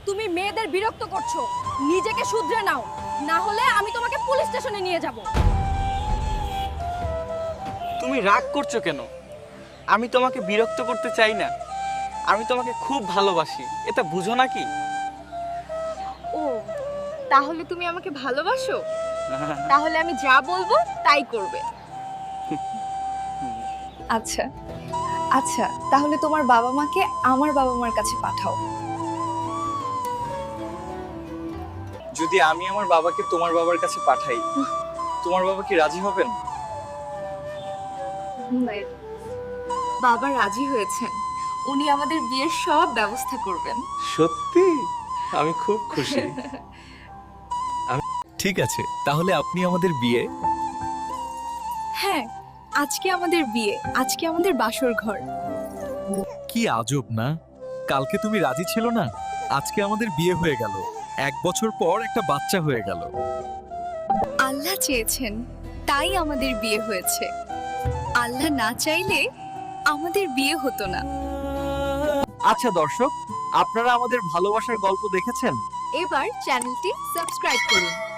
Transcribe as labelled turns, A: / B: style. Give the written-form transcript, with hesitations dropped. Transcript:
A: তুমি মেয়েদের বিরক্ত করছো, নিজেকে শুধরে নাও, না হলে আমি তোমাকে পুলিশ স্টেশনে নিয়ে যাব।
B: তুমি রাগ করছো কেন? আমি তোমাকে বিরক্ত করতে চাই না, আমি তোমাকে খুব ভালোবাসি, এটা বুঝো নাকি?
A: ও, তাহলে তুমি আমাকে ভালোবাসো? তাহলে আমি যা বলবো তাই করবে। আচ্ছা আচ্ছা, তাহলে তোমার বাবা মাকে আমার বাবা মার কাছে পাঠাও।
B: যদি আমি আমার বাবাকে তোমার বাবার কাছে পাঠাই, তোমার বাবা কি রাজি হবেন?
A: বাবা রাজি হয়েছেন, উনি আমাদের বিয়ের সব ব্যবস্থা করবেন।
B: সত্যি? আমি খুব খুশি।
C: ঠিক আছে, তাহলে আপনি আমাদের বিয়ে।
A: হ্যাঁ, আজকে আমাদের বিয়ে, আজকে আমাদের বাসর ঘর।
C: কি আজব না, কালকে তুমি রাজি ছিল না, আজকে আমাদের বিয়ে হয়ে গেল, 1 বছর পর একটা বাচ্চা হয়ে গেল।
A: আল্লাহ চেয়েছেন, তাই আমাদের বিয়ে হয়েছে। আল্লাহ না চাইলে আমাদের বিয়ে হতো না।
C: আচ্ছা দর্শক, আপনারা আমাদের ভালোবাসার গল্প দেখেছেন?
A: এবার চ্যানেলটি সাবস্ক্রাইব করুন।